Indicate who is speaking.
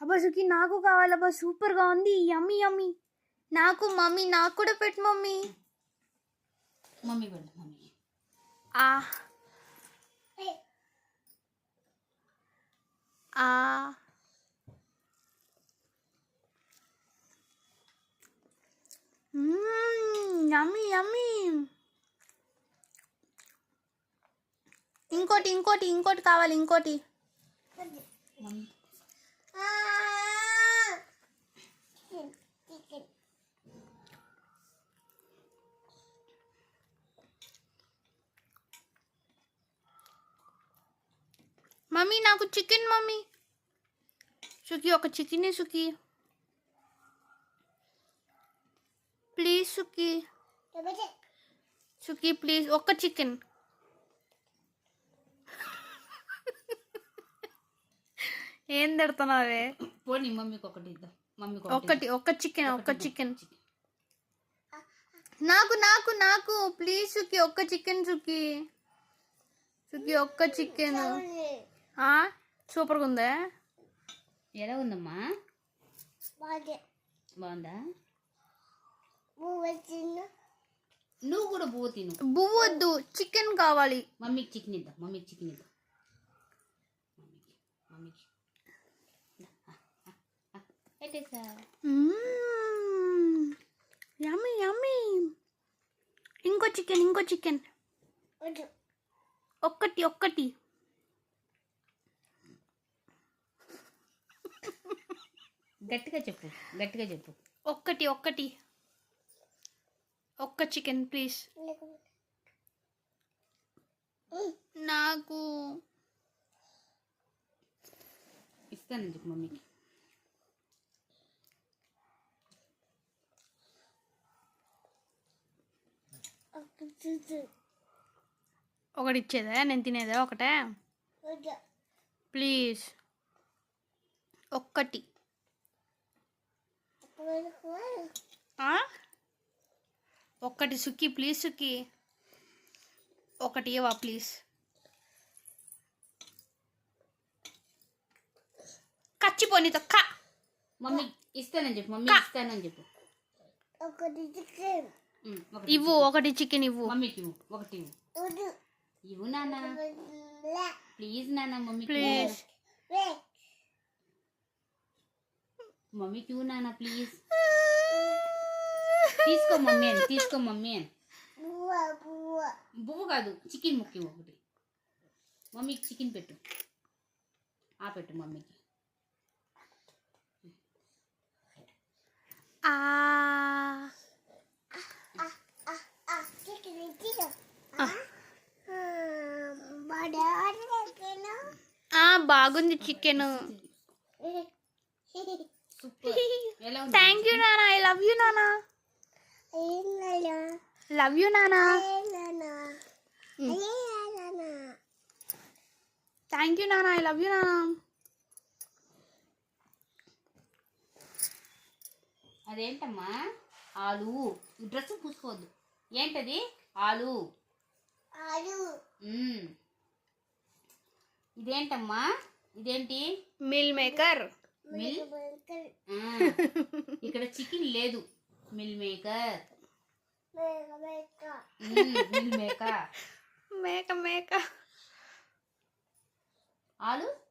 Speaker 1: అబ్బా సుఖి నాకు కావాలబ్బా, సూపర్గా ఉంది, యమ్మీ యమ్మీ. నాకు మమ్మీ, నాకు కూడా పెట్టు మమ్మీ.
Speaker 2: మమ్మీ పెట్టు మమ్మీ.
Speaker 1: ఆ ఆ యమ్మీ యమ్మీ. ఇంకోటి ఇంకోటి ఇంకోటి కావాలి, ఇంకోటి. మమ్మీ నాకు చికెన్ మమ్మీ. సుఖి ఒక chicken Sukhi, please Sukhi. Sukhi please ఒక్క చికెన్. ఏం తిడుతున్నావే?
Speaker 2: పోనీ మమ్మీకి ఒకటి ఇద్దాం. మమ్మీకి
Speaker 1: ఒకటి, ఒక్క చికెన్, ఒక్క చికెన్. నాకు నాకు నాకు ప్లీజ్ సుఖి, ఒక్క చికెన్ సుఖి. సుఖి ఒక్క చికెన్. సూపర్గా ఉందా?
Speaker 2: ఎలా ఉందమ్మా? బాగుందా? నువ్వు కూడా బువ్వ తిను.
Speaker 1: బువ్వ వద్దు, చికెన్ కావాలి.
Speaker 2: మమ్మీకి చికెన్ ఇద్దాం. మమ్మీకి చికెన్ ఇద్దాం. మమ్మీకి
Speaker 1: యమ్మీ యమ్మీ. ఇంకో చికెన్, ఇంకో చికెన్. ఒక్కటి ఒక్కటి.
Speaker 2: గట్టిగా చెప్పు, గట్టిగా చెప్పు.
Speaker 1: ఒక్కటి ఒక్కటి, ఒక్క చికెన్ ప్లీజ్. నాకు
Speaker 2: ఇస్తానని చెప్పు మమ్మీకి.
Speaker 1: ఒకటి ఇచ్చేదా? నేను తినేదా ఒకటే? ప్లీజ్ ఒక్కటి. ఒక్కటి సుఖి ప్లీజ్ సుఖి, ఒకటి ఇవ్వవా ప్లీజ్. కచ్చిపోని తొక్క.
Speaker 2: మమ్మీ ఇస్తానని చెప్పు. మమ్మీ ఇస్తానని చెప్పు.
Speaker 1: ఇవ్వు ఒకటి చికెన్ ఇవ్వు.
Speaker 2: మమ్మీకి ఇవ్వు ఒకటి. ఇవ్వు నాన్న ప్లీజ్. నాన్న మమ్మీ
Speaker 1: ప్లీజ్.
Speaker 2: మమ్మీకి ఇవ్వు నాన్న ప్లీజ్. తీసుకో మమ్మీ అని, తీసుకో మమ్మీ అని. బువ్వ కాదు, చికెన్ ముక్కి ఒకటి. మమ్మీకి చికెన్ పెట్టు. పెట్టు మమ్మీకి.
Speaker 1: బాగుంది చికెన్. థ్యాంక్ యూ నానా, ఐ లవ్ యూ నానా. లవ్ యూ నానా. థ్యాంక్ యూ నానా, ఐ లవ్ యూ నానా.
Speaker 2: అదేంటమ్మా? ఆలు. డ్రెస్ పూసుకోవద్దు. ఏంటది? ఆలు. ఇదేంటమ్మా? ఇదేంటి?
Speaker 1: Meal maker.
Speaker 2: మిల్ ఇక్కడ చికెన్ లేదు. Meal maker. Meal maker.
Speaker 1: మేక మేక.
Speaker 2: ఆలు